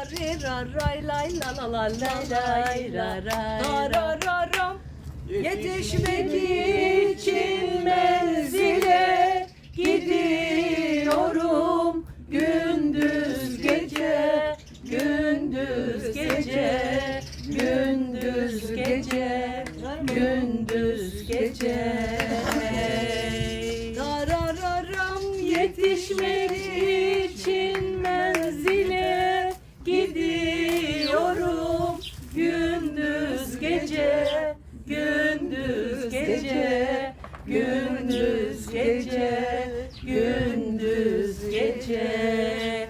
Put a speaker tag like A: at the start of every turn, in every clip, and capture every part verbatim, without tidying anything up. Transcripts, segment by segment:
A: ri ra ray lay la la la lay lay la ray.
B: Darararam.
A: Yetişmek için menzile gidiyorum gündüz gece, gündüz gece, gündüz gece, gündüz gece. Darararam yetişmek için menzile gidiyorum gündüz gece, gündüz gece, gündüz gece, gündüz gece.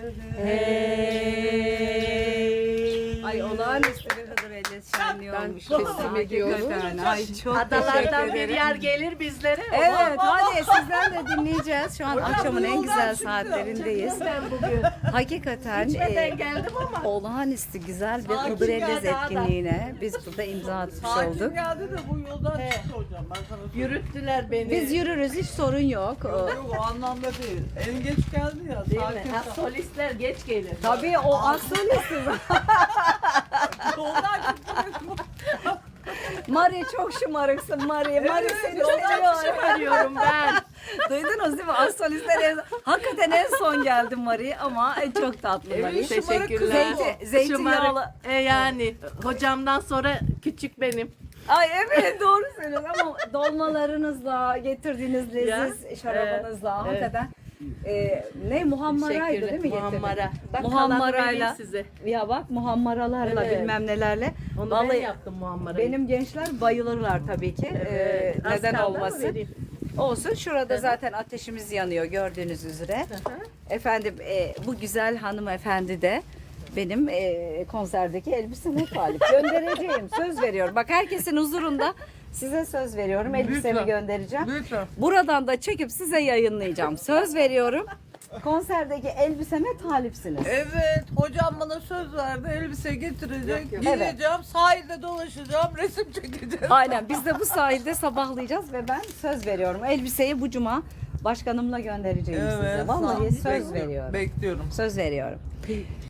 A: Hey.
B: Ay olağanüstü bir Hıdır Ellez şenliği
C: Ben
B: olmuş.
C: teslim ediyorum.
B: Ay çok
A: Adalardan
B: teşekkür
A: bir
B: ederim.
A: yer gelir bizlere.
B: Evet hadi sizden de dinleyeceğiz. Şu an akşamın en güzel saatlerindeyiz.
A: Ben bugün
B: Hakikaten
A: içmeden
B: e,
A: geldim ama.
B: olağanüstü güzel bir
C: Sakin
B: Hıdır
C: ya,
B: Ellez
A: daha da.
B: etkinliğine biz burada imza atmış
C: Sakin
B: olduk.
C: geldi de bu yoldan çıktı hocam. Ben sana söyleyeyim.
A: Yürüttüler beni.
B: Biz yürürüz, hiç sorun yok.
C: Yok yok o anlamda değil. En geç geldi ya.
A: Değil
C: Sakin
A: mi? Ha,
C: kal.
A: solistler geç gelir.
B: Tabii o astrolist.
C: Yoldan çıktı.
B: Mari çok şımarıksın Mari. Mari seni
A: Çok
B: seviyorum.
A: arıyorum ben.
B: Duydunuz değil mi? Astrolistler en, hakikaten en son geldi Mari ama çok tatlı Mari.
C: Evet, şımarık
A: Teşekkürler.
C: kız
B: Zeyti, zeytinyağlı.
A: Şımarık. E yani hocamdan sonra küçük benim.
B: Ay evet doğru söylüyorsun ama dolmalarınızla, getirdiğiniz leziz
A: Ya,
B: şarabınızla
A: evet,
B: hakikaten e, ne muhammaraydı değil mi getirdin?
A: Muhammara. Bak
B: Muhammarayla.
A: kalanı vereyim size.
B: Ya bak muhammaralarla
A: Evet.
B: bilmem nelerle.
A: Onu
B: Vallahi
A: ben yaptım muhammarayı.
B: benim gençler bayılırlar tabii ki.
A: Evet.
B: E,
A: Az
B: neden
A: kaldı ama
B: olmasın?
A: vereyim.
B: Olsun. Şurada
A: Hı hı.
B: zaten ateşimiz yanıyor gördüğünüz üzere.
A: Hı hı.
B: Efendim e, bu güzel hanımefendi de benim e, konserdeki elbiseme talip. Göndereceğim. Söz veriyorum. Bak herkesin huzurunda size söz veriyorum. Elbisemi
C: Lütfen.
B: göndereceğim.
C: Lütfen.
B: Buradan da çekip size yayınlayacağım. Söz veriyorum. Konserdeki elbiseme talipsiniz.
C: Evet hocam bana söz verdi elbise getirecek.
A: Yok, yok.
C: Gideceğim sahilde dolaşacağım resim çekeceğim.
B: Aynen biz de bu sahilde sabahlayacağız ve ben söz veriyorum. Elbiseyi bu cuma başkanımla göndereceğim size.
C: Evet
B: Vallahi
C: sağ ol.
B: söz
C: Bekliyorum,
B: veriyorum.
C: Bekliyorum.
B: Söz veriyorum.